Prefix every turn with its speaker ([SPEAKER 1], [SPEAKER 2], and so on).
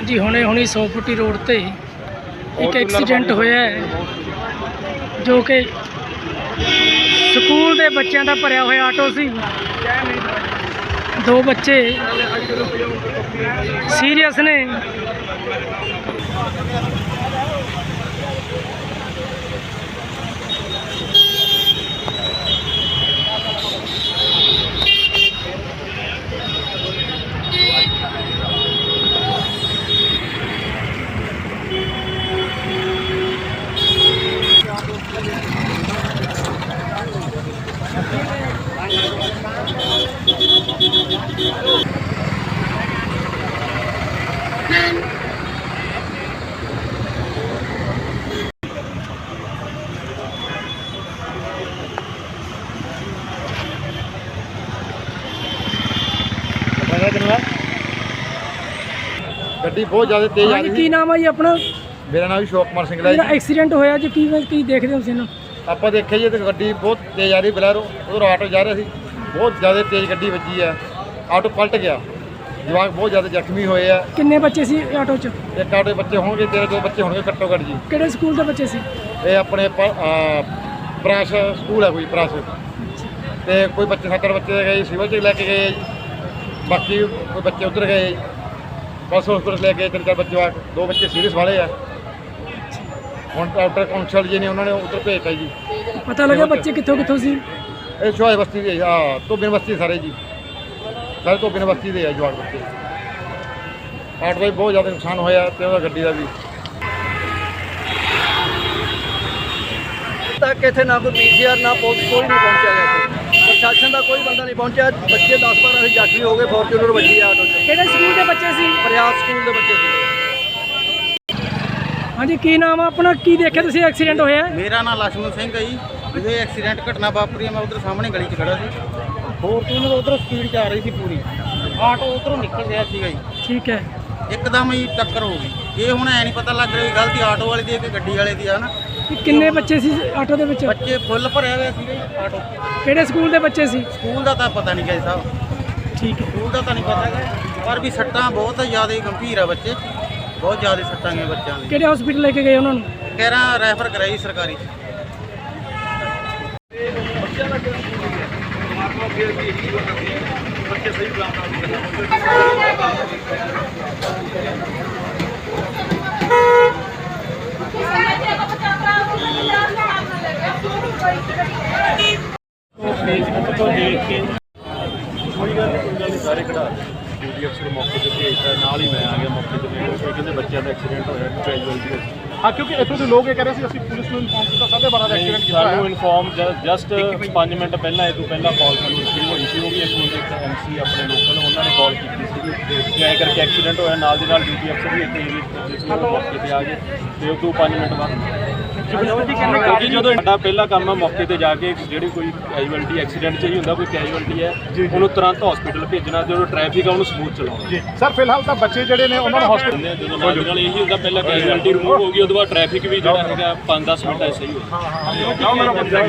[SPEAKER 1] जी हुणे हुणी 100 फुटी रोड ते एक एक्सीडेंट होया है जो कि स्कूल के बच्चों का भरिया हुआ आटो सी। दो बच्चे सीरियस ने।
[SPEAKER 2] ਗੱਡੀ ਬਹੁਤ ਜ਼ਿਆਦਾ ਤੇਜ਼ ਆ ਰਹੀ ਸੀ।
[SPEAKER 1] ਕੀ ਨਾਮ ਹੈ ਜੀ ਆਪਣਾ?
[SPEAKER 2] ਮੇਰਾ ਨਾਮ ਅਸ਼ੋਕ ਕੁਮਾਰ ਸਿੰਘ ਹੈ
[SPEAKER 1] ਜਿਹੜਾ
[SPEAKER 2] ਜੀ।
[SPEAKER 1] ਐਕਸੀਡੈਂਟ ਹੋਇਆ ਜੀ ਕੀ ਦੇਖਦੇ ਹੋ ਤੁਸੀਂ ਇਹਨੂੰ?
[SPEAKER 2] ਆਪਾਂ ਦੇਖਿਆ ਜੀ ਤੇ ਗੱਡੀ ਬਹੁਤ ਤੇਜ਼ ਆ ਰਹੀ ਬਲੈਰੋ, ਉਧਰ ਆਟੋ ਜਾ ਰਿਹਾ ਸੀ, ਬਹੁਤ ਜ਼ਿਆਦਾ ਤੇਜ਼ ਗੱਡੀ ਵੱਜੀ ਆ, ਆਟੋ ਪਲਟ ਗਿਆ, ਜਵਾਕ ਬਹੁਤ ਜ਼ਿਆਦਾ ਜ਼ਖਮੀ ਹੋਏ ਆ।
[SPEAKER 1] ਕਿੰਨੇ ਬੱਚੇ ਸੀ ਆਟੋ 'ਚ?
[SPEAKER 2] ਇੱਕ ਆਟੋ ਦੇ ਬੱਚੇ ਹੋਣਗੇ 13 ਬੱਚੇ ਹੋਣਗੇ ਘੱਟੋ ਘੱਟ ਜੀ।
[SPEAKER 1] ਕਿਹੜੇ ਸਕੂਲ ਦੇ ਬੱਚੇ ਸੀ?
[SPEAKER 2] ਇਹ ਆਪਣੇ ਪ੍ਰਾਸ ਸਕੂਲ ਹੈ ਕੋਈ ਪ੍ਰਾਸ, ਤੇ ਕੋਈ ਬੱਚੇ 70 ਬੱਚੇ ਗਏ ਸਿਵਲ 'ਚ ਲੈ ਕੇ ਗਏ ਜੀ, ਬਾਕੀ ਕੋਈ ਬੱਚੇ ਉਧਰ ਗਏ ਜੀ, ਬਸ ਹਸਪਤਾਲ ਲੈ ਕੇ 3-4 ਬੱਚੇ ਆ, 2 ਬੱਚੇ ਸੀਰੀਅਸ ਵਾਲੇ ਆ। ਹੁਣ ਡਾਕਟਰ ਕੌਂਸਲ ਜੀ ਨੇ ਉਹਨਾਂ ਨੇ ਉੱਧਰ ਭੇਜਤਾ ਜੀ।
[SPEAKER 1] ਪਤਾ ਲੱਗਾ ਬੱਚੇ ਕਿੱਥੋਂ ਸੀ?
[SPEAKER 2] ਇਹ ਸ਼ੋਏ ਬਸਤੀ ਦੇ ਧੋਬੀ ਬਸਤੀ ਸਾਰੇ ਜੀ, ਸਾਰੇ ਧੋਬੀ ਬਸਤੀ ਦੇ ਆ ਜਵਾਕ ਬੱਚੇ। ਆਟੋ ਦਾ ਵੀ ਬਹੁਤ ਜ਼ਿਆਦਾ ਨੁਕਸਾਨ ਹੋਇਆ ਤੇ ਉਹਦਾ ਗੱਡੀ ਦਾ ਵੀ।
[SPEAKER 3] तक इतने ना कोई पीसीआर ना पुलिस कोई नहीं पहुंचा गया, प्रशासन का कोई बंदा नहीं पहुंचा। बच्चे 10-12 जख्मी हो गए, फॉर्चूनर बची है आटो।
[SPEAKER 1] ਕਿਹੜੇ ਸਕੂਲ ਦੇ ਬੱਚੇ ਸੀ?
[SPEAKER 3] प्रयास स्कूल के बच्चे थे।
[SPEAKER 1] ਹਾਂਜੀ ਕੀ ਨਾਮ ਆ ਆਪਣਾ? ਕੀ ਦੇਖਿਆ ਤੁਸੀਂ ਐਕਸੀਡੈਂਟ ਹੋਇਆ?
[SPEAKER 4] ਮੇਰਾ ਨਾਮ ਲక్ష్మణ ਸਿੰਘ ਹੈ ਜੀ। ਇਹ ਐਕਸੀਡੈਂਟ ਘਟਨਾ ਵਾਪਰੀ ਹੈ, ਮੈਂ ਉਧਰ ਸਾਹਮਣੇ ਗਲੀ 'ਚ ਖੜਾ ਸੀ, ਫੋਰਚੂਨਰ ਉਧਰ ਸਪੀਡ 'ਚ ਆ ਰਹੀ ਸੀ ਪੂਰੀ, ਆਟੋ ਉਧਰੋਂ ਨਿਕਲ ਰਿਹਾ ਸੀਗਾ ਜੀ,
[SPEAKER 1] ਠੀਕ ਹੈ।
[SPEAKER 4] ਇੱਕਦਮ ਹੀ ਟੱਕਰ ਹੋ ਗਈ। ਇਹ ਹੁਣ ਐ ਨਹੀਂ ਪਤਾ ਲੱਗ ਰਿਹਾ ਗਲਤੀ ਆਟੋ ਵਾਲੇ ਦੀ ਹੈ ਕਿ ਗੱਡੀ ਵਾਲੇ ਦੀ ਆ ਨਾ।
[SPEAKER 1] ਕਿੰਨੇ ਬੱਚੇ ਸੀ ਆਟੋ ਦੇ ਵਿੱਚ?
[SPEAKER 4] ਬੱਚੇ ਫੁੱਲ ਭਰਿਆ ਹੋਇਆ ਸੀਗਾ ਜੀ ਆਟੋ।
[SPEAKER 1] ਕਿਹੜੇ ਸਕੂਲ ਦੇ ਬੱਚੇ ਸੀ?
[SPEAKER 4] ਸਕੂਲ ਦਾ ਤਾਂ ਪਤਾ ਨਹੀਂ ਗਾ ਜੀ ਸਾਹਿਬ,
[SPEAKER 1] ਠੀਕ ਹੈ।
[SPEAKER 4] ਸਕੂਲ ਦਾ ਤਾਂ ਨਹੀਂ ਪਤਾ ਗਾ, ਪਰ ਵੀ ਸੱਟਾਂ ਬਹੁਤ ਜ਼ਿਆਦਾ ਗੰਭੀਰ ਆ, ਬੱਚੇ ਬਹੁਤ ਜ਼ਿਆਦਾ ਸੱਟਾਂ ਗਈਆਂ ਬੱਚਿਆਂ ਦੀ।
[SPEAKER 1] ਕਿਹੜੇ ਹਸਪੀਟਲ ਲੈ ਕੇ ਗਏ ਉਹਨਾਂ ਨੂੰ?
[SPEAKER 4] ਕਹਿ ਰਹਾ ਰੈਫਰ ਕਰਾਈ ਸਰਕਾਰੀ 'ਚ।
[SPEAKER 5] ਫੇਸਬੁੱਕ ਤੋਂ ਦੇਖ ਕੇ ਕੋਈ ਗੱਲ ਨਹੀਂ ਸਾਰੇ ਖੜਾ ਡਿਊਟੀ ਅਫਸਰ ਮੌਕੇ 'ਤੇ ਭੇਜਦਾ, ਨਾਲ ਹੀ ਮੈਂ ਆ ਗਿਆ ਮੌਕੇ 'ਤੇ। ਇਹ ਕਹਿੰਦੇ ਬੱਚਿਆਂ ਦਾ ਐਕਸੀਡੈਂਟ ਹੋਇਆ ਕੈਜੂਅਲਟੀ।
[SPEAKER 6] ਹਾਂ, ਕਿਉਂਕਿ ਇੱਥੋਂ ਦੇ ਲੋਕ ਇਹ ਕਹਿ ਰਹੇ ਸੀ ਅਸੀਂ ਪੁਲਿਸ ਨੂੰ ਇਨਫੋਰਮ ਕੀਤਾ, 12:30 ਦਾ ਐਕਸੀਡੈਂਟ ਕੀਤਾ
[SPEAKER 5] ਸਾਨੂੰ ਇਨਫੋਰਮ ਜਸਟ 5 ਮਿੰਟ ਪਹਿਲਾਂ, ਇਹ ਤੋਂ ਪਹਿਲਾਂ ਕਾਲ ਸਾਨੂੰ ਰਿਸੀਵ ਹੋਈ ਸੀ। ਉਹ ਵੀ ਇੱਥੋਂ ਦੇ ਇੱਕ MC ਆਪਣੇ ਲੋਕਲ, ਉਹਨਾਂ ਨੇ ਕਾਲ ਕੀਤੀ ਸੀ ਕਿ ਐਂ ਕਰਕੇ ਐਕਸੀਡੈਂਟ ਹੋਇਆ। ਨਾਲ ਦੀ ਨਾਲ ਡਿਊਟੀ ਅਫਸਰ ਵੀ ਇੱਥੇ ਮੌਕੇ 'ਤੇ ਆ ਗਏ, ਤੇ ਉਹ ਤੋਂ 5 ਮਿੰਟ ਬਾਅਦ ਕਿਉਂਕਿ ਜਦੋਂ ਸਾਡਾ ਪਹਿਲਾ ਕੰਮ ਆ ਮੌਕੇ 'ਤੇ ਜਾ ਕੇ ਜਿਹੜੀ ਕੋਈ ਕੈਜੂਅਲਟੀ ਐਕਸੀਡੈਂਟ 'ਚ ਹੀ ਹੁੰਦਾ, ਕੋਈ ਕੈਜੂਅਲਟੀ ਹੈ ਉਹਨੂੰ ਤੁਰੰਤ ਹਸਪੀਟਲ ਭੇਜਣਾ, ਜਦੋਂ ਟ੍ਰੈਫਿਕ ਆ ਉਹਨੂੰ ਸਮੂਥ ਚਲਾਉਣਾ।
[SPEAKER 6] ਜੀ ਸਰ, ਫਿਲਹਾਲ ਤਾਂ ਬੱਚੇ ਜਿਹੜੇ ਨੇ ਉਹਨਾਂ ਨੂੰ ਹਸਪੀਟਲ
[SPEAKER 5] ਜਦੋਂ ਨਾਲ ਇਹੀ ਹੁੰਦਾ, ਪਹਿਲਾਂ ਕੈਜੂਅਲਟੀ ਰਿਮੂਵ ਹੋ ਗਈ, ਉਹਦੇ ਬਾਅਦ ਟ੍ਰੈਫਿਕ ਵੀ ਜਿਹੜਾ ਹੈਗਾ 5-10 ਮਿੰਟ ਐਸੇ ਹੀ ਹੋਇਆ।